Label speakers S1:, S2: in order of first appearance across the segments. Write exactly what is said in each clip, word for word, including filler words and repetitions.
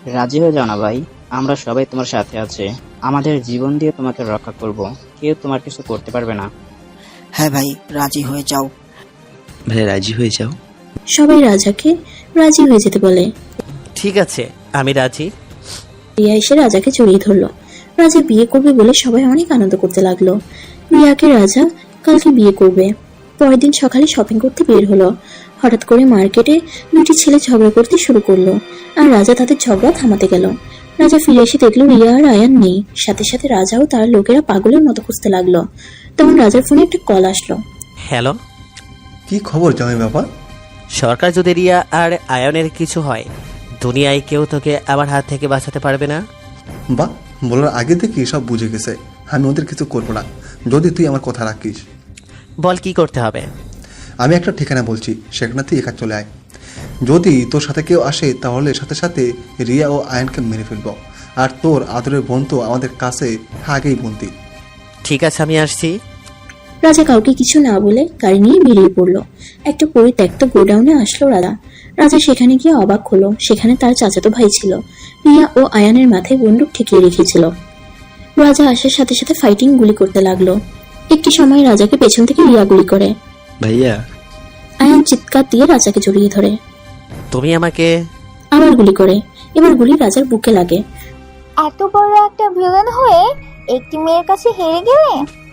S1: রাজি হয়ে যাও না ভাই, আমরা সবাই তোমার সাথে আছে। আমাদের জীবন দিয়ে তোমাকে রক্ষা করব, কেউ তোমার কিছু করতে পারবে না।
S2: হ্যাঁ ভাই, রাজি হয়ে যাও।
S3: ভাই রাজি হয়ে যাও।
S4: সবাই রাজাকে রাজি হয়ে যেতে বলে।
S5: ঠিক আছে, আমি রাজি।
S4: রিয়া এসে রাজাকে জড়িয়ে ধরলো। রাজা বিয়ে করবে বলে সবাই অনেক আনন্দ করতে লাগলো। রিয়াকে রাজা কালকে বিয়ে করবে। পরের দিন সকালে শপিং করতে বের হলো। হঠাৎ করে মার্কেটে দুটি ছেলে ঝগড়া করতে শুরু করলো, আর রাজা তাদের ঝগড়া থামাতে গেল। রাজা ফিরে এসে দেখলো রিয়া আর আয়ান নেই। সাথে সাথে রাজাও তার লোকেরা পাগলের মতো খুঁজতে লাগলো। তখন রাজার ফোনে একটা কল আসলো।
S5: হ্যালো,
S6: কি খবর জামাই বাবা?
S5: সরকার যদি রিয়া আর আয়নের কিছু হয়, দুনিয়ায় কেউ তোকে আমার হাত থেকে বাঁচাতে পারবে না।
S6: বা বলার আগে থেকে সব বুঝে গেছে। আমি ওদের কিছু করবো না যদি তুই আমার কথা রাখিস।
S5: বল কি করতে হবে?
S6: আমি একটা ঠিকানা বলছি, সেখানে তুই একা চলে আয়। যদি তোর সাথে কেউ আসে তাহলে সাথে সাথে রিয়া ও আয়নকে মেরে ফেলবো। আর তোর আদরের বোন তো আমাদের কাছে আগেই বন্দি।
S5: ঠিক আছে, আমি আসছি।
S4: রাজা কাউকে কিছু না বলে গাড়ি নিয়ে বেরিয়ে পড়লো। একটা পরিত্যক্ত গোডাউনে আসলো রাজা। রাজা সেখানে গিয়ে অবাক হলো, সেখানে তার চাচাতো ভাই ছিল। রিয়া ও আয়ানের মাথায় বন্দুক ঠেকিয়ে রেখেছিল। রাজা আসার সাথে সাথে ফাইটিং গুলি করতে লাগলো। একটি সময় রাজাকে পেছন থেকে রিয়া গুলি করে।
S3: ভাইয়া
S4: আয়ান চিৎকার দিয়ে রাজাকে জড়িয়ে ধরে।
S5: তুমি আমাকে
S4: আবার গুলি করে। এবার গুলি রাজার বুকে লাগে।
S7: এত বড় একটা ভিলেন হয়ে একটি মেয়ের কাছে হেরে গেলে?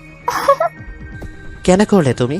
S5: কেন করলে তুমি?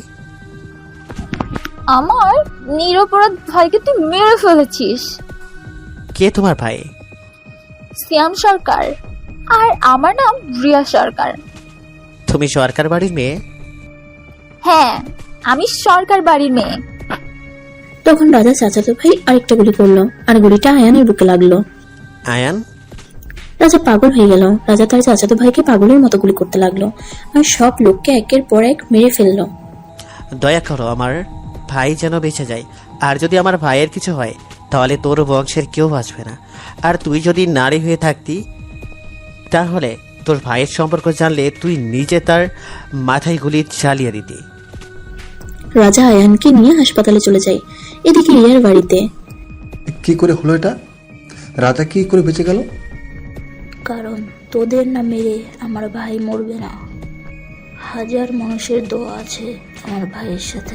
S7: আমার নিরপরাধ ভাইকে তুই মেরে ফেলেছিস।
S5: কে তোমার ভাই?
S7: শ্যাম সরকার, আর আমার নাম রিয়া সরকার।
S5: তুমি সরকার বাড়ির মেয়ে?
S7: হ্যাঁ, আমি সরকার বাড়ির মেয়ে।
S4: তখন রাজা চাচাতো ভাই আরেকটা গুলি করলো, আর গুলিটা আয়ানের বুকে লাগলো।
S5: আয়ান?
S4: রাজা পাগল হয়ে গেল। রাজা তার চাচাতো ভাইকে পাগলের মতো গুলি করতে লাগলো, আর সব লোককে একের পর এক মেরে ফেললো।
S5: দয়া করো, আমার ভাই যেন বেঁচে যায়। আর যদি আমার ভাইয়ের কিছু হয় তাহলে তোর বংশের কেউ বাঁচবে না। আর তুই যদি নারী হয়ে থাকতি তাহলে তোর ভাইয়ের সম্পর্ক জানলে তুই নিজে তার মাথায় গুলি চালিয়ে দিতি।
S4: রাজা আয়ানকে নিয়ে হাসপাতালে চলে যায়। এদিকে রিয়ার বাড়িতে।
S6: কি করে হলো এটা? রাজা কি করে বেঁচে গেল?
S8: কারণ তোদের না মেরে আমার ভাই মরবে না। হাজার মানুষের দোয়া আছে আমার ভাইয়ের সাথে।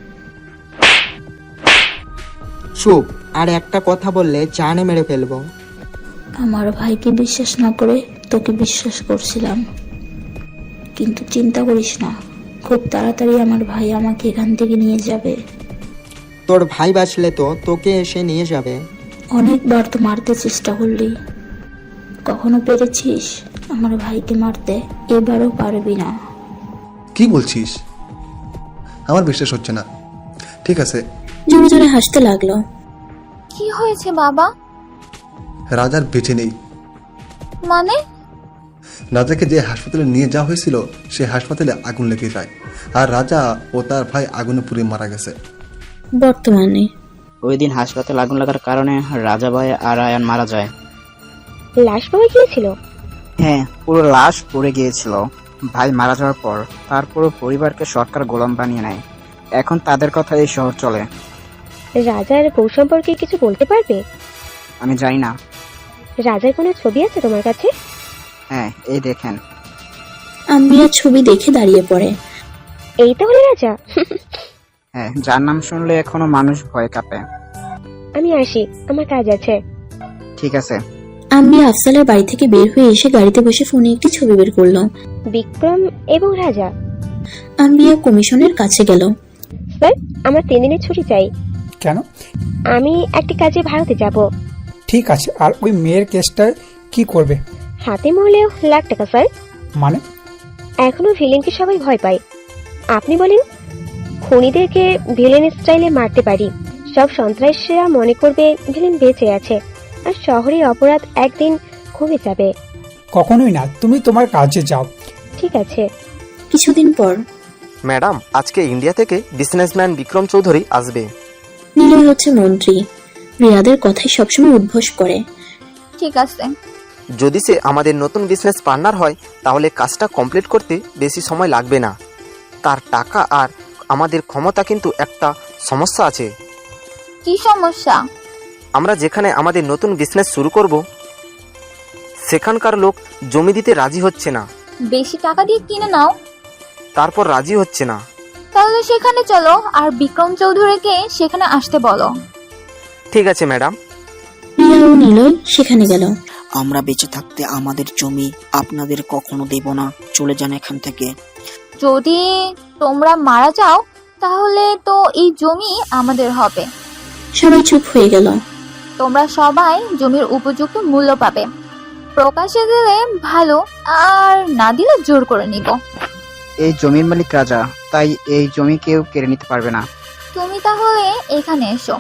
S2: চুপ, আর একটা কথা বললে জানে মেরে ফেলবো।
S8: আমার ভাইকে বিশ্বাস না করে তোকে বিশ্বাস করছিলাম, কিন্তু চিন্তা করিস না, খুব তাড়াতাড়ি আমার ভাই আমাকে এখান থেকে নিয়ে যাবে।
S2: তোর ভাই বাঁচলে তো তোকে এসে নিয়ে যাবে।
S8: অনেকবার তো মারতে চেষ্টা করলি, কখনো পেরেছিস আমার ভাইকে মারতে? এবারও পারবি না।
S6: কি বলছিস? আমার বিশ্বাস হচ্ছে না। ঠিক আছে।
S4: জোরে জোরে হাসতে লাগলো।
S7: কি হয়েছে বাবা?
S6: রাজার বেঁচে নেই।
S7: মানে?
S6: রাজাকে যে হাসপাতালে নিয়ে যাওয়া হয়েছিল সে হাসপাতালে আগুন লেগে যায়, আর রাজা ও তার ভাই আগুনে পুড়ে মারা গেছে।
S4: বর্তমানে
S1: ওই দিন হাসপাতালে আগুন লাগার কারণে রাজা ভাই আর আয়ান মারা যায়।
S9: লাশ পাওয়া গিয়েছিল?
S1: হ্যাঁ, পুরো লাশ পড়ে গিয়েছিল। ভাই মারা যাওয়ার পর তার পুরো পরিবারকে সরকার গোলাম বানিয়ে নেয়। এখন তাদের কথা এই শহর চলে।
S9: রাজার বউ সম্পর্কে কিছু বলতে পারবে?
S1: আমি জানি না।
S9: রাজার কোনো ছবি আছে তোমার কাছে?
S1: হ্যাঁ, এই দেখেন।
S4: আম্বিয়া ছবি দেখে দাঁড়িয়ে পড়ে।
S9: এই তাহলে রাজা?
S1: হ্যাঁ, যার নাম শুনলে এখনো মানুষ ভয় কাঁপে।
S9: আমি আসি, আমার কাজ আছে।
S1: ঠিক আছে।
S4: আম্বিয়া আফসালের বাড়ি থেকে বের হয়ে এসে গাড়িতে বসে ফোনে একটি ছবি বের করলো।
S9: বিক্রম এবং রাজা।
S4: আম্বিয়া কমিশনের কাছে গেল।
S9: স্যার, আমার তিন দিনের ছুটি চাই।
S10: কেন?
S9: আমি একটি কাজে ভারতে যাব।
S10: ঠিক আছে, আর ওই মেয়ের কেসটা কি করবে?
S9: হাতে মরলেও লাখ টাকা স্যার।
S10: মানে?
S9: এখনো ভিলেনকে সবাই ভয় পায়। আপনি বলেন, খুনিদেরকে ভিলেন স্টাইলে মারতে পারি, সব সন্ত্রাসীরা মনে করবে ভিলেন বেঁচে আছে, আর শহরের অপরাধ একদিন কমে যাবে।
S10: কখনোই না, তুমি তোমার কাজে যাও।
S9: ঠিক আছে।
S4: কিছুদিন পর
S11: ম্যাডাম, আজকে ইন্ডিয়া থেকে বিজনেসম্যান বিক্রম চৌধুরী আসবে।
S4: নীলয় হচ্ছে মন্ত্রী। রিয়াদের কথাই সবসময় উদ্ভোস করে।
S7: ঠিক আছে।
S11: যদি সে আমাদের নতুন বিজনেস পার্টনার হয় তাহলে কাজটা কমপ্লিট করতে বেশি সময় লাগবে না। তার টাকা আর আমাদের ক্ষমতা কিন্তু একটা সমস্যা আছে।
S7: কি সমস্যা?
S11: আমরা যেখানে আমাদের নতুন বিজনেস শুরু করব সেখানকার লোক জমি দিতে রাজি হচ্ছে না।
S7: বেশি টাকা দিয়ে কিনে নাও।
S11: তারপর রাজি হচ্ছে না।
S7: তাহলে সেখানে চলো আর বিক্রম চৌধুরীকে সেখানে আসতে বলো।
S11: ঠিক আছে ম্যাডাম।
S4: রিয়া ও নিলয় সেখানে গেল।
S12: আমরা বেঁচে থাকতে আমাদের জমি আপনাদের কখনো দেব না, চলে যান এখান থেকে।
S7: যদি তোমরা মারা যাও তাহলে তো এই জমি আমাদের হবে।
S4: সবাই চুপ হয়ে গেল।
S7: তোমরা সবাই জমির উপযুক্ত মূল্য পাবে। প্রকাশে দিলে ভালো, আর না দিলে জোর করে নিব।
S1: এই জমির মালিক রাজা, তাই এই জমি কেউ কেড়ে নিতে পারবে না।
S7: তুমি তাহলে এখানে এসো।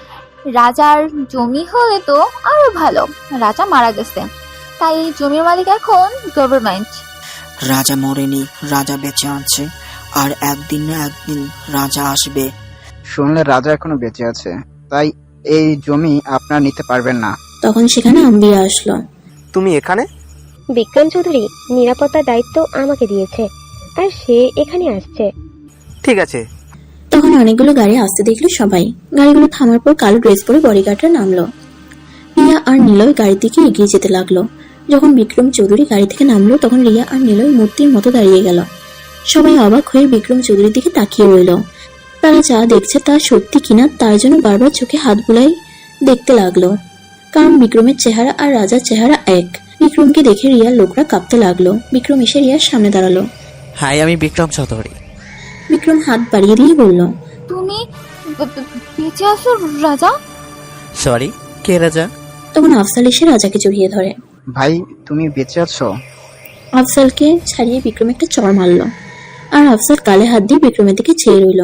S7: রাজার জমি হলে তো আরো ভালো। রাজা মারা গেছে, তাই এই জমির মালিক এখন গভর্নমেন্ট।
S12: রাজা মরেনি, রাজা বেঁচে আছে, আর একদিন না একদিন রাজা আসবে।
S1: শুনলে রাজা এখনো বেঁচে আছে, তাই এই জমি আপনারা নিতে পারবেন না।
S4: তখন সেখানে আম্বিয়া আসলো।
S11: তুমি এখানে?
S9: বিক্রম চৌধুরী নিরাপত্তার দায়িত্ব আমাকে দিয়েছে, আর সে এখানে আসছে।
S11: ঠিক আছে।
S4: তখন অনেকগুলো গাড়ি আসতে দেখলো সবাই। গাড়িগুলো থামার পর কালো ড্রেস পরে বডিগার্ডরা নামলো। রিয়া আর নিলয় গাড়ির দিকে এগিয়ে যেতে লাগলো। যখন বিক্রম চৌধুরী গাড়ি থেকে নামলো তখন রিয়া আর নিলয় মূর্তির মতো দাঁড়িয়ে গেল। সবাই অবাক হয়ে বিক্রম চৌধুরীর দিকে তাকিয়ে রইল। তারা যা দেখছে তা সত্যি কিনা তার জন্য বারবার চোখে হাত বুলাই দেখতে লাগলো, কারণ বিক্রমের চেহারা আর রাজার চেহারা এক। বিক্রমকে দেখে রিয়ার লোকরা কাঁপতে লাগলো। বিক্রম এসে রিয়ার সামনে দাঁড়ালো।
S5: হাই, আমি বিক্রম চৌধুরী।
S4: বিক্রম হাত বাড়িয়ে দিয়ে বলল,
S7: তুমি বে- বে- বেঁচে আছো রাজা?
S5: সরি, কে রাজা?
S4: তখন আফসাল এসে রাজাকে জড়িয়ে ধরে।
S1: ভাই, তুমি বেঁচে আছো?
S4: আফসালকে ছাড়িয়ে বিক্রম একটা চড় মারল, আর আফসাল কালে হাত দিয়ে বিক্রমের দিকে চেয়ে রইল।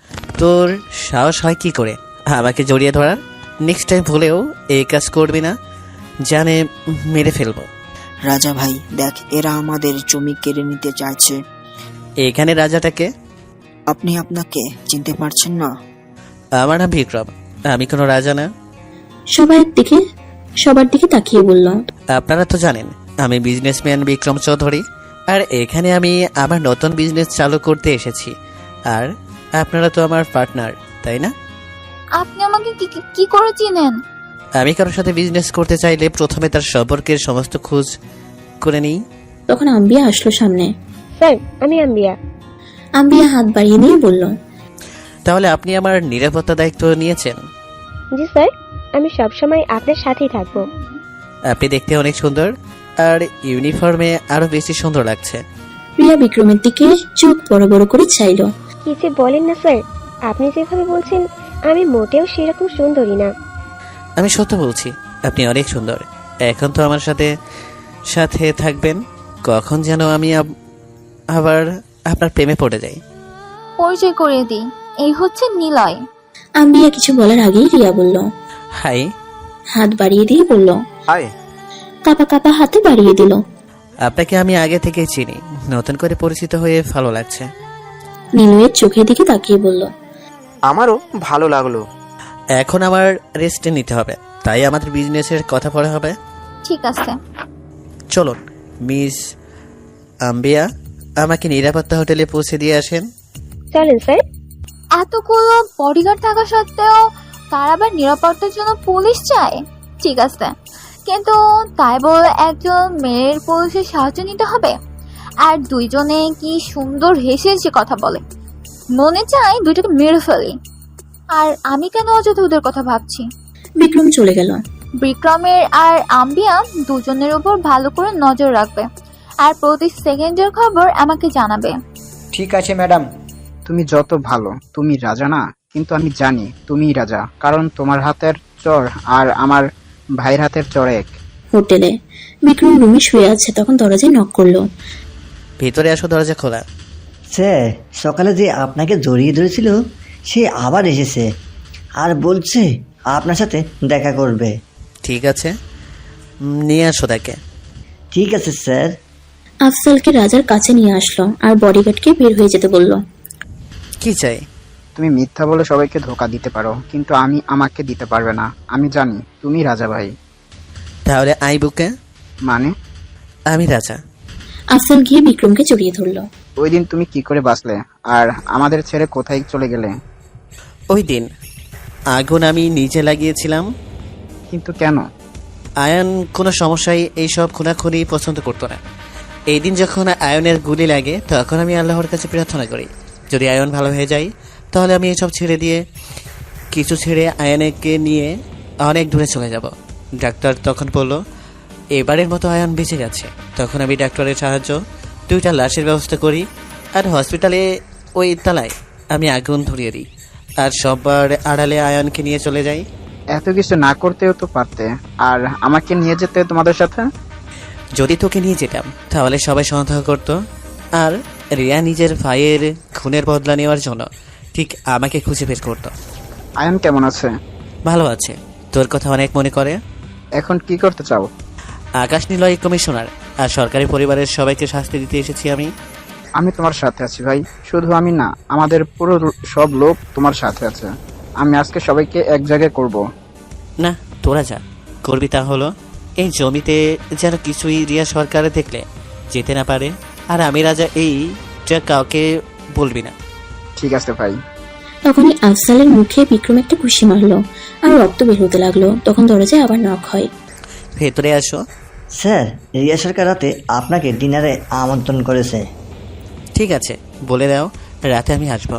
S5: তোর সাহস হয় কি করে আমাকে জড়িয়ে ধরার? নেক্সট টাইম ভুলেও এই কাজ করবি না, জানে মেরে ফেলবো।
S12: রাজা ভাই দেখ, এরা আমাদের জমি কেড়ে নিতে চাইছে।
S5: এখানে রাজাটাকে?
S12: আপনি আপনাকে চিনতে পারছেন না?
S5: আমার নাম বিক্রম, আমি কোনো রাজা না।
S4: সবার দিকে সবার দিকে তাকিয়ে বলল,
S5: আপনারা তো জানেন আমি বিজনেসম্যান বিক্রম চৌধুরী, আর এখানে আমি আমার নতুন বিজনেস চালু করতে এসেছি, আর আপনারা তো আমার পার্টনার, তাই না?
S7: আপনি আমাকে কি কি- কি করে চিনেন?
S5: আমি কারোর সাথে বিজনেস করতে চাইলে প্রথমে তার সম্পর্কের সমস্ত খোঁজ করে নিই।
S4: তখন আম্বিয়া আসলো সামনে।
S9: স্যার, আমি আম্বিয়া।
S4: আম্বিয়া হাত বাড়িয়ে দিয়ে বলল,
S5: তাহলে আপনি আমার নিরাপত্তা দায়িত্ব নিয়েছেন?
S9: জি স্যার, আমি সবসময় আপনার সাথেই থাকবো।
S5: আপনি দেখতে অনেক সুন্দর, আর ইউনিফর্মে আরো বেশি সুন্দর লাগছে।
S4: রিয়া বিক্রমের দিকে চোখ বড় বড় করে চাইল।
S9: কি যে বলেন না স্যার, আপনি যেভাবে বলছেন আমি মোটেও সেরকম সুন্দরী না।
S5: আমি সত্য বলছি, আপনি অনেক সুন্দর। এখন তো আমার সাথে সাথে থাকবেন, কখন যেন আমি আব- আবার আপনার প্রেমে পড়ে যাই।
S7: পরিচয় করিয়ে দিই, এই হচ্ছে নিলয়।
S4: আম্বিয়া কিছু বলার আগেই রিয়া বলল,
S5: হাই।
S4: হাত বাড়িয়ে দিয়ে বলল,
S11: হাই।
S4: কাপা কাপা হাতে বাড়িয়ে দিল।
S5: আপনাকে আমি আগে থেকেই চিনি, নতুন করে পরিচিত হয়ে ভালো লাগছে।
S4: নিলয়ের চোখের দিকে তাকিয়ে বলল,
S11: আমারও ভালো লাগলো।
S5: এখন আমার রেস্ট নিতে হবে, তাই আমাদের বিজনেসের কথা পরে হবে।
S7: ঠিক আছে।
S5: চলুন মিস আম্বিয়া, আমাকে নিরাপত্তা হোটেলে পৌঁছে দিয়ে আসেন।
S9: চলেন স্যার।
S7: এতগুলো বডিগার্ড থাকা সত্ত্বেও তার আবার নিরাপত্তার জন্য পুলিশ চায়? ঠিক আছে, কিন্তু তাই বলে একজন মেয়ের পুলিশের সাহায্য নিতে হবে? আর দুইজনে কি সুন্দর হেসে হেসে কথা বলে, মনে চায় দুইটাকে মেরে ফেলি। আর আমি কেন অযথা ওদের কথা ভাবছি?
S4: বিক্রম চলে গেল।
S7: বিক্রমের আর আম্বিয়া দুজনের উপর ভালো করে নজর রাখবে, আর প্রতি সেকেন্ডের খবর আমাকে জানাবে।
S2: ঠিক আছে ম্যাডাম।
S1: তুমি যত ভালো, তুমি রাজা না, কিন্তু আমি জানি তুমিই রাজা, কারণ তোমার হাতের চর আর আমার ভাইয়ের হাতের চর এক।
S4: হোটেলে বিক্রম রুমে শুয়ে আছে, তখন দরজায় নক করলো।
S5: ভিতরে আসো, দরজা খোলা।
S13: স্যার, সকালে যে আপনাকে জড়িয়ে ধরেছিল সে আবার এসেছে আর বলছে আপনার সাথে দেখা করবে।
S5: ঠিক আছে, উম, নিয়ে আসো তাকে।
S13: ঠিক আছে স্যার।
S4: আফসালকে রাজার কাছে নিয়ে আসলো আর বডিগার্ডকে বের হয়ে যেতে বলল।
S5: কি চাই?
S1: তুমি মিথ্যা বলে সবাইকে ধোকা দিতে পারো, কিন্তু আমি আমাকে দিতে পারবে না। আমি জানি তুমি রাজা ভাই।
S5: তাহলে আই বুকে?
S1: মানে?
S5: আমি রাজা।
S4: আফসাল গিয়ে বিক্রমকে জড়িয়ে ধরলো।
S1: ওই দিন তুমি কি করে বাঁচলে, আর আমাদের ছেড়ে কোথায় চলে গেলে?
S5: ওই দিন আগুন আমি নিজে লাগিয়েছিলাম,
S1: কিন্তু কেন?
S5: আয়ন কোনো সমস্যায় এইসব খুনাখুনি পছন্দ করতো না। এই দিন যখন আয়নের গুলি লাগে তখন আমি আল্লাহর কাছে প্রার্থনা করি, যদি আয়ন ভালো হয়ে যায় তাহলে আমি এসব ছেড়ে দিয়ে কিছু ছেড়ে আয়নকে নিয়ে অনেক দূরে চলে যাব। ডাক্তার তখন বলল এবারের মতো আয়ন বেঁচে গেছে। তখন আমি ডাক্তারের সাহায্য দুইটা লাশের ব্যবস্থা করি আর হসপিটালে ওই তালায় আমি আগুন ধরিয়ে দিই আর সবার আড়ালে আয়নকে নিয়ে চলে যাই।
S1: এত কিছু না করতেও তো পারতে, আর আমাকে নিয়ে যেতে তোমাদের সাথে।
S5: যদি তোকে নিয়ে যেতাম তাহলে সবাই সন্দেহ করতো, আর রিয়া নিজের ভাইয়ের খুনের বদলা নেওয়ার জন্য ঠিক আমাকে খুঁজে বের করতো।
S1: আয়ন কেমন আছে?
S5: ভালো আছে, তোর কথা অনেক মনে করে।
S1: এখন কি করতে চাও?
S5: আকাশ নিলয় কমিশনার আর সরকারি পরিবারের সবাইকে শাস্তি দিতে এসেছি আমি।
S1: আমি তোমার সাথে আছি ভাই, শুধু আমি না, আমাদের পুরো সব লোক তোমার সাথে আছে। আমি আজকে সবাইকে এক জায়গায় করব।
S5: না, তোরা যা করবি তা হলো এই জমিতে যেন কিছুই রিয়া সরকার দেখলে যেতে না পারে, আর আমি রাজা এইটা কাউকে বলবি না।
S1: ঠিক আছে ভাই।
S4: তখনই আফজালের মুখে বিক্রম একটা ঘুষি মারলো আর রক্ত বের হতে লাগলো। তখন দরজায় আবার নক হয়।
S5: ভেতরে আসো।
S13: স্যার, রিয়া সরকার রাতে আপনাকে ডিনারে আমন্ত্রণ করেছে।
S5: ঠিক আছে, বলে দাও রাতে আমি আসবো।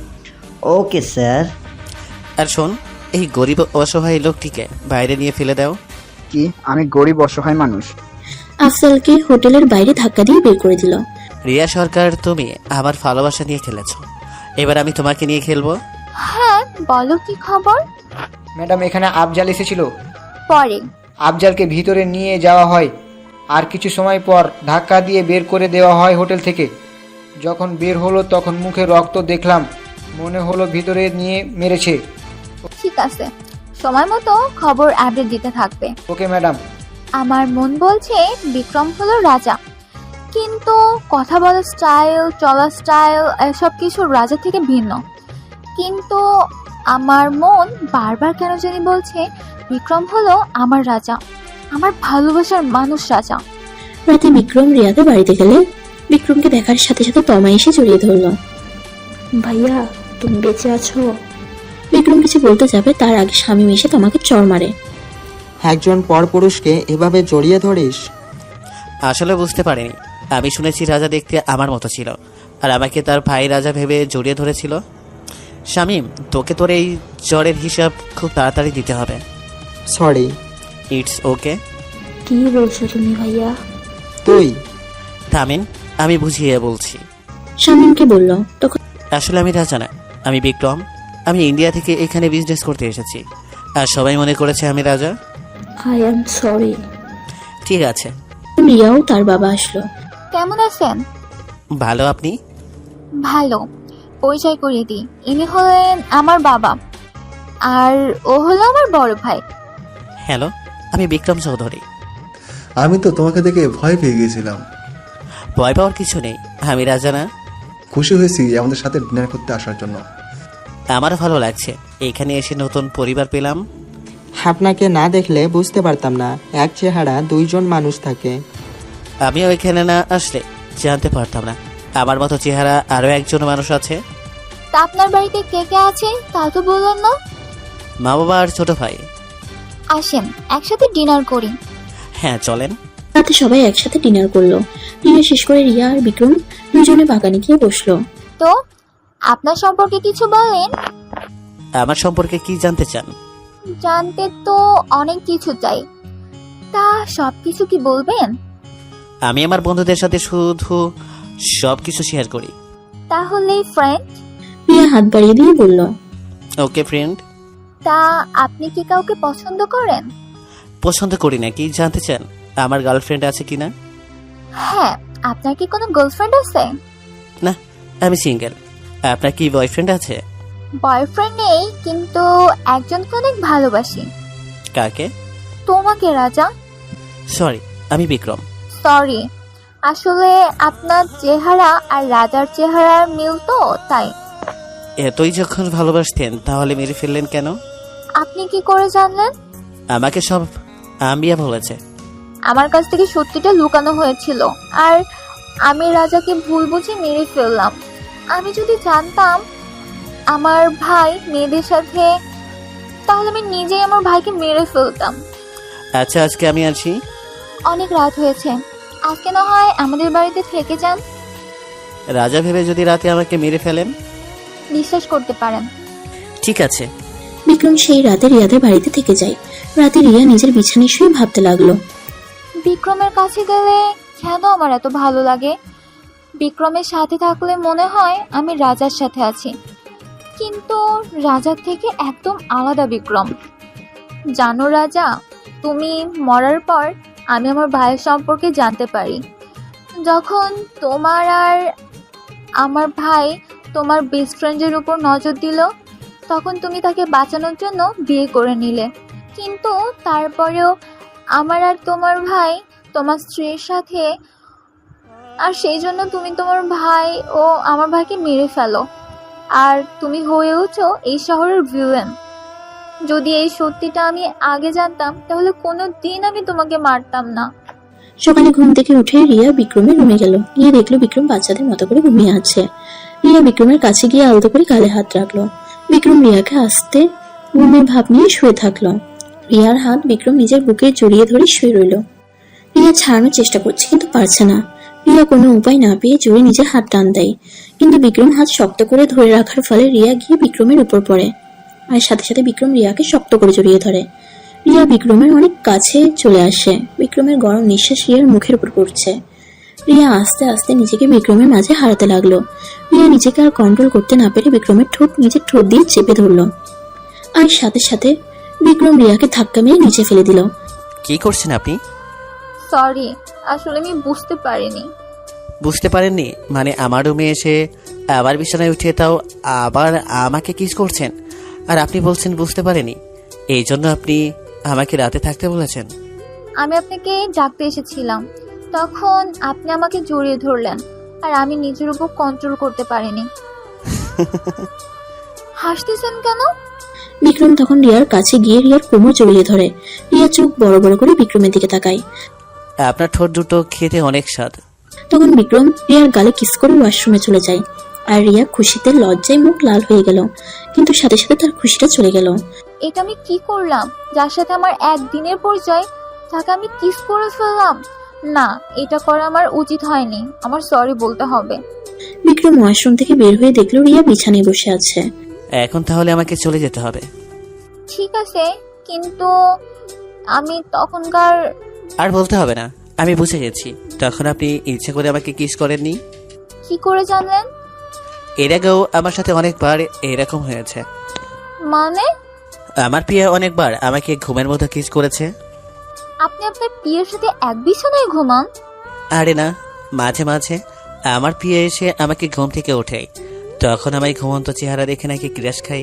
S13: Okay sir.
S5: আর শোন, এই গরিব অসহায় লোকটিকে বাইরে নিয়ে ফেলে দাও।
S1: কি? আমি গরিব অসহায় মানুষ?
S4: আফজালকে হোটেলের বাইরে ধাক্কা দিয়ে বের করে দিল।
S5: রিয়া সরকার, তুমি আমার ভালোবাসা নিয়ে খেলেছো, এবার আমি তোমাকে নিয়ে খেলবো।
S7: হ্যাঁ, বলো কি খবর?
S2: ম্যাডাম, এখানে আফজাল এসেছিল।
S7: পরে
S2: আফজালকে ভিতরে নিয়ে যাওয়া হয় আর কিছু সময় পর ধাক্কা দিয়ে বের করে দেওয়া হয় হোটেল থেকে। যখন বের হলো তখন মুখে রক্ত দেখলাম, মনে হলো ভিতরে নিয়ে মেরেছে।
S7: ঠিক আছে, সময় মতো খবর আপডেট দিতে থাকবে।
S2: Okay madam.
S7: আমার মন বলছে বিক্রম হলো রাজা, কিন্তু কথা বলার স্টাইল, চলার স্টাইল এসব কিছু রাজা থেকে ভিন্ন। কিন্তু আমার মন বারবার কেন জানি বলছে বিক্রম হলো আমার রাজা, আমার ভালোবাসার মানুষ রাজা।
S4: রাতে বিক্রম রিয়াদের বাড়িতে গেলে বিক্রমকে দেখার সাথে সাথে তমা এসে জড়িয়ে ধরলো।
S8: ভাইয়া, তুমি বেঁচে আছো?
S4: বিক্রম কিছু বলতে যাবে তার আগে স্বামী এসে তোমাকে চড় মারে।
S2: একজন পরপুরুষকে এভাবে জড়িয়ে ধরিস?
S5: আসলে বুঝতে পারিনি, আমি শুনেছি রাজা দেখতে আমার মতো ছিল আর আমাকে তার ভাই রাজা ভেবে জড়িয়ে ধরেছিল। শামীম, তোকে তোর এই জ্বরের হিসাব খুব তাড়াতাড়ি দিতে হবে।
S2: সরি।
S5: It's okay.
S8: কি বলছো তুমি ভাইয়া?
S2: তুই
S5: থামেন, আমি বুঝিয়ে বলছি।
S4: শামীমকে বলল, তখন
S5: আসলে আমি রাজা না, আমি বিক্রম। আমি ইন্ডিয়া থেকে এখানে বিজনেস করতে এসেছি আর সবাই মনে করেছে আমি রাজা।
S8: I am sorry.
S5: ঠিক আছে।
S4: রিয়াও তার বাবা আসলো।
S7: কেমন আছেন?
S5: ভালো, আপনি?
S7: ভালো। পরিচয় করিয়ে দিই, ইনি হলেন আমার বাবা আর ও হলো আমার বড় ভাই।
S5: হ্যালো, আমি বিক্রম চৌধুরী।
S6: আমি তো তোমাকে দেখে ভয় পেয়ে গিয়েছিলাম।
S5: ভয় পাওয়ার কিছু নেই, আমি রাজা না।
S6: খুশি হয়েছি আমাদের সাথে ডিনার করতে আসার জন্য।
S5: আমারও ভালো লাগছে, এখানে এসে নতুন পরিবার পেলাম।
S2: আপনাকে না দেখলে বুঝতে পারতাম না, এক চেহারা দুইজন মানুষ থাকে।
S5: আমিও এখানে না আসলে জানতে পারতাম না আমার মতো চেহারা আরো একজন মানুষ আছে।
S7: তা আপনার বাড়িতে কে কে আছে তা তো বললেন না?
S5: মা বাবা আর ছোট ভাই।
S7: আসেন একসাথে ডিনার করি।
S5: হ্যাঁ, চলেন।
S4: রাতে সবাই একসাথে ডিনার করলো। ডিনার শেষ করে রিয়া আর বিক্রম দুজনে বাগানে গিয়ে বসলো।
S7: তো আপনার সম্পর্কে কিছু বলেন।
S5: আমার সম্পর্কে কি জানতে চান?
S7: জানতে তো অনেক কিছু চাই, তা সবকিছু কি বলবেন?
S5: আমি আমার বন্ধুদের সাথে শুধু সবকিছু শেয়ার করি।
S7: তাহলে ফ্রেন্ড?
S4: রিয়া হাত বাড়িয়ে দিয়ে বলল,
S5: ওকে ফ্রেন্ড।
S7: তা আপনি কি কাউকে পছন্দ করেন?
S5: পছন্দ করি না, কি জানতে চান? আমার গার্লফ্রেন্ড আছে কিনা?
S7: হ্যাঁ, আপনার কি কোনো গার্লফ্রেন্ড আছে?
S5: না, আমি সিঙ্গেল। আপনার কি বয়ফ্রেন্ড আছে?
S7: বয়ফ্রেন্ড নেই, কিন্তু একজনকে অনেক ভালোবাসি।
S5: কাকে?
S7: তোমাকে রাজা।
S5: সরি, আমি বিক্রম।
S7: সরি, আসলে আপনার চেহারা আর রাজার চেহারার মিল তো, তাই।
S5: এতই যখন ভালোবাসতেন তাহলে মেরে ফেললেন কেন?
S7: আপনি কি করে জানলেন?
S5: আমাকে সব আম্বিয়া বলেছে।
S7: আমার কাছ থেকে সত্যিটা লুকানো হয়েছিল আর আমি রাজাকে ভুল বুঝে মেরে ফেললাম। আমি যদি জানতাম আমার ভাই মেয়েদের সাথে, তাহলে তাহলে আমি নিজেই আমার ভাইকে মেরে ফেলতাম।
S5: আচ্ছা আজকে আমি আছি।
S7: অনেক রাত হয়েছে, আজকে না হয় আমাদের বাড়িতে থেকে যান।
S5: রাজা ভেবে যদি রাতে আমাকে মেরে ফেলেন?
S7: বিশ্বাস করতে পারেন।
S5: ঠিক আছে।
S4: বিক্রম সেই রাতে রিয়াদের বাড়িতে থেকে যায়। রাতে রিয়া নিজের বিছানায় শুয়ে ভাবতে লাগলো,
S7: বিক্রমের কাছে গেলে কেন আমার এত ভালো লাগে? বিক্রমের সাথে থাকলে মনে হয় আমি রাজার সাথে আছি, কিন্তু রাজার থেকে একদম আলাদা বিক্রম। জানো রাজা, তুমি মরার পর আমি আমার ভাইয়ের সম্পর্কে জানতে পারি। যখন তোমার আর আমার ভাই তোমার বেস্ট ফ্রেন্ডের উপর নজর দিল, তখন তুমি তাকে বাঁচানোর জন্য বিয়ে করে নিলে, কিন্তু তারপরেও আমার আর তোমার ভাই তোমার স্ত্রীর সাথে, আর সেই জন্য তুমি তোমার ভাই ও আমার ভাইকে মেরে ফেলো, আর তুমি হয়ে উঠো এই শহরের ভিলেন। যদি এই সত্যিটা আমি আগে জানতাম তাহলে কোনো দিন আমি তোমাকে মারতাম না।
S4: সকালে ঘুম থেকে উঠে রিয়া বিক্রমের রুমে গেল। গিয়ে দেখলো বিক্রম বাচ্চাদের মতো করে ঘুমিয়ে আছে। রিয়া বিক্রমের কাছে গিয়ে আলতো করে গালে হাত রাখলো। বিক্রম রিয়াকে আসতে ঘুমের ভাব নিয়ে শুয়ে থাকলো। রিয়ার হাত বিক্রম নিজের বুকে জড়িয়ে ধরে শুয়ে রইল। রিয়া ছাড়ানোর চেষ্টা করছে কিন্তু পারছে না। রিয়া কোনো উপায় না পেয়ে জোরে নিজের হাত টান দেয়, কিন্তু বিক্রম হাত শক্ত করে ধরে রাখার ফলে রিয়া গিয়ে বিক্রমের উপর পড়ে, আর সাথে সাথে বিক্রম রিয়াকে শক্ত করে জড়িয়ে ধরে। রিয়া বিক্রমের অনেক কাছে চলে আসে। বিক্রমের গরম নিঃশ্বাস রিয়ার মুখের উপর পড়ছে। রিয়া আস্তে আস্তে নিজেকে বিক্রমের মাঝে হারাতে লাগলো। রিয়া নিজেকে আর কন্ট্রোল করতে না পেরে বিক্রমের ঠোঁট নিজের ঠোঁট দিয়ে চেপে ধরলো, আর সাথে সাথে বিক্রম রিয়াকে ধাক্কা মেরে নিচে ফেলে দিল।
S5: কি করছেন আপনি?
S7: সরি, আসলে আমি বুঝতে পারিনি।
S5: বুঝতে পারেননি মানে? আমার রুমে এসে আবার বিছানায় উঠে তাও আবার আমাকে কিস করছেন, আর আপনি বলছেন বুঝতে পারেনি? এই জন্য আপনি আমাকে রাতে থাকতে বলেছেন?
S7: আমি আপনাকে ডাকতে এসেছিলাম, তখন আপনি আমাকে জড়িয়ে ধরলেন, আর আমি নিজের উপর কন্ট্রোল করতে পারিনি। হাসতেছেন কেন?
S4: বিক্রম তখন রিয়ার কাছে গিয়ে রিয়ার কোমর জড়িয়ে ধরে। রিয়া চোখ বড় বড় করে বিক্রমের দিকে তাকায়।
S5: আপনার ঠোঁট দুটো খেতে অনেক স্বাদ।
S4: তখন বিক্রম রিয়ার গালে কিস করে ওয়াশরুমে চলে যায়, আর রিয়া খুশিতে লজ্জায় মুখ লাল হয়ে গেল, কিন্তু সাথে সাথে তার খুশিটা চলে গেল।
S7: এটা আমি কি করলাম? যার সাথে আমার একদিনের পরিচয় তাকে আমি কিস করে ফেললাম। না, এটা করা আমার উচিত হয়নি, আমার সরি বলতে হবে।
S4: বিক্রম ওয়াশরুম থেকে বের হয়ে দেখলো রিয়া বিছানায় বসে আছে।
S5: এখন তাহলে আমাকে চলে যেতে হবে।
S7: ঠিক আছে, কিন্তু আমি তখনকার...
S5: আর বলতে হবে না, আমি বুঝে গেছি। তখন আপনি ইচ্ছে করে আমাকে কিস করেননি।
S7: কি করে জানলেন?
S5: এর আগেও আমার সাথে অনেকবার এরকম হয়েছে।
S7: মানে?
S5: আমার প্রিয়া অনেকবার আমাকে ঘুমের মধ্যে কিস করেছে।
S7: আপনি আপনার প্রিয়ের সাথে এক বিছানায় ঘুমান?
S5: আরে না, মাঝে মাঝে আমার প্রিয়া এসে আমাকে ঘুম থেকে ওঠে, তখন আমি ঘুমন্ত চেহারা দেখে নাকি ক্রাশ খাই,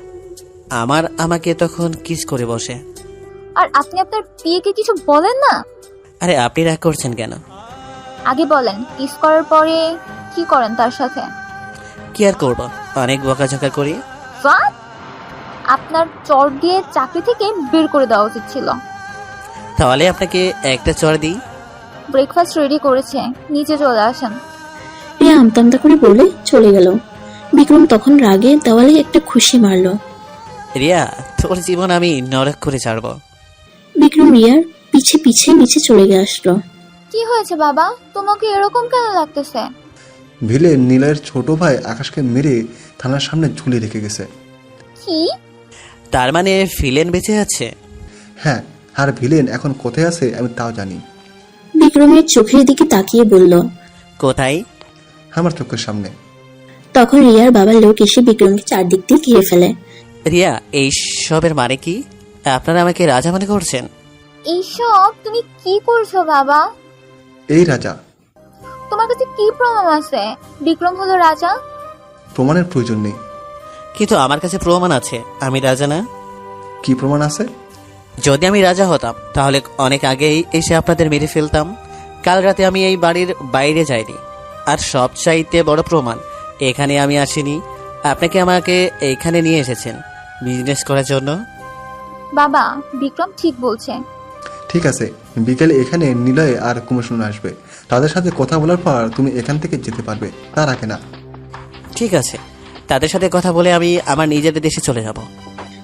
S5: আমার আমাকে তখন কিস করে বসে।
S7: আর আপনি আপনার প্রিয়কে কিছু বলেন না?
S5: আরে আপনি রাগ করছেন কেন?
S7: আগে বলেন, কিস করার পরে কি করেন তার সাথে?
S5: কি আর করব, অনেক বকাঝকা করি।
S7: What? আপনার চর দিয়ে চাকরি থেকে বের করে দেওয়া উচিত ছিল।
S5: তাহলে আপনাকে একটা চড় দিই।
S7: ব্রেকফাস্ট রেডি করেছে, নিচে চলে আসেন।
S4: রিয়া আমতা আমতা করে বলে চলে গেল। বিক্রম তখন রাগে দেওয়ালে একটা খুশি মারলো।
S5: রিয়া, তোর জীবন আমি নরক করে ছাড়বো।
S4: বিক্রম রিয়ার পিছে পিছে নিচে চলে গিয়ে আসলো।
S7: কি হয়েছে বাবা, তোমাকে এরকম কেন লাগতেছে?
S6: ভিলেন নীলের ছোট ভাই আকাশকে মেরে থানার সামনে ঝুলিয়ে রেখে গেছে।
S7: কি?
S5: তার মানে ভিলেন বেঁচে আছে?
S6: হ্যাঁ, আর ভিলেন এখন কোথায় আছে আমি তাও জানি।
S4: বিক্রমের চোখের দিকে তাকিয়ে বলল,
S5: কোথায়?
S6: আমার চোখের সামনে।
S4: তখন রিয়ার বাবার লোক এসে বিক্রমকে চারদিক দিয়ে ঘিরে ফেলে।
S5: রিয়া, এই সবের মানে কি? আপনারা আমাকে রাজা মনে করছেন?
S7: এইসব তুমি কি করছো বাবা?
S6: এই রাজা।
S7: তোমার কাছে কি প্রমাণ আছে বিক্রম হলো রাজা?
S6: প্রমাণের প্রয়োজন নেই।
S5: কিন্তু আমার কাছে প্রমাণ আছে আমি রাজা না।
S6: কি প্রমাণ আছে?
S5: যদি আমি রাজা হতাম তাহলে অনেক আগেই এসে আপনাদের মেরে ফেলতাম। কাল রাতে আমি এই বাড়ির বাইরে যাইনি, আর সবচাইতে বড় প্রমাণ, এখানে আমি আসিনি, আপনাকে আমাকে এইখানে নিয়ে এসেছেন বিজনেস করার জন্য।
S7: বাবা, বিক্রম ঠিক বলছে।
S6: ঠিক আছে, বিকেলে এখানে নিলয় আর কুমোশন আসবে, তাদের সাথে কথা বলার পর তুমি এখান থেকে যেতে পারবে, তার আগে না।
S5: ঠিক আছে, তাদের সাথে কথা বলে আমি আমার নিজেদের দেশে চলে যাব।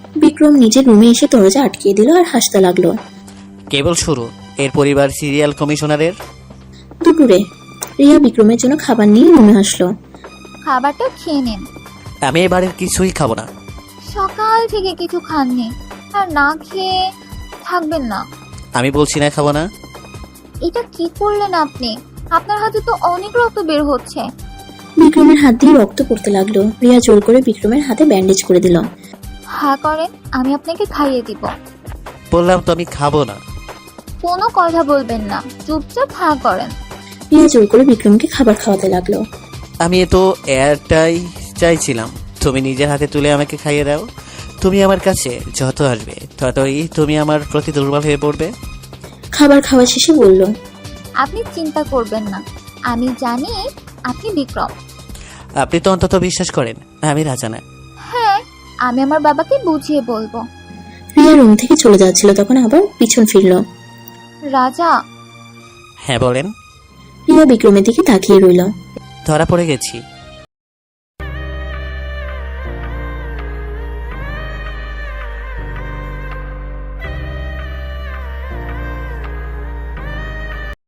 S4: বিক্রম নিজের রুমে এসে দরজা আটকিয়ে দিল আর হাসতে লাগলো।
S5: কেবল শুরু এর পরিবার সিরিয়াল কমিশনারের।
S4: দুপুরে রিয়া বিক্রমের জন্য খাবার নিয়ে রুমে আসলো।
S7: খাবারটা খেয়ে নিন।
S5: আমি এবারের কিছুই খাবো না।
S7: সকাল থেকে কিছু খাননি, আর না খেয়ে থাকবেন না।
S5: আমি বলছি না খাবো না।
S7: এটা কি করলেন আপনি? আপনার হাতে তো অনেক রক্ত বের হচ্ছে।
S4: বিক্রমের হাত দিয়ে রক্ত পড়তে লাগলো। রিয়া জোর করে বিক্রমের হাতে ব্যান্ডেজ করে দিল।
S7: হ্যাঁ করেন, আমি আপনাকে খাইয়ে দিব।
S5: বললাম তো আমি খাবো না।
S7: কোনো কথা বলবেন না, চুপচাপ হ্যাঁ করেন।
S4: রিয়া জোর করে বিক্রমকে খাবার খাওয়াতে লাগলো।
S5: আমি তো এয়ারটাই চাইছিলাম, তুমি নিজের হাতে তুলে আমাকে খাইয়ে দাও। তুমি আমার কাছে যত আসবে ততই তুমি আমার প্রতি দুর্বল হয়ে পড়বে।
S4: খাবার খাওয়া শেষে বলল,
S7: আপনি চিন্তা করবেন না, আমি জানি আপনি বিক্রম।
S5: আপনি তো অন্তত বিশ্বাস করেন আমি রাজা না।
S7: হ্যাঁ, আমি আমার বাবাকে বুঝিয়ে বলবো।
S4: রিয়া রুম থেকে চলে যাচ্ছিল, তখন আবার পিছন ফিরল।
S7: রাজা।
S5: হ্যাঁ বলেন।
S4: রিয়া বিক্রমের দিকে তাকিয়ে রইল।
S5: ধরা পড়ে গেছি।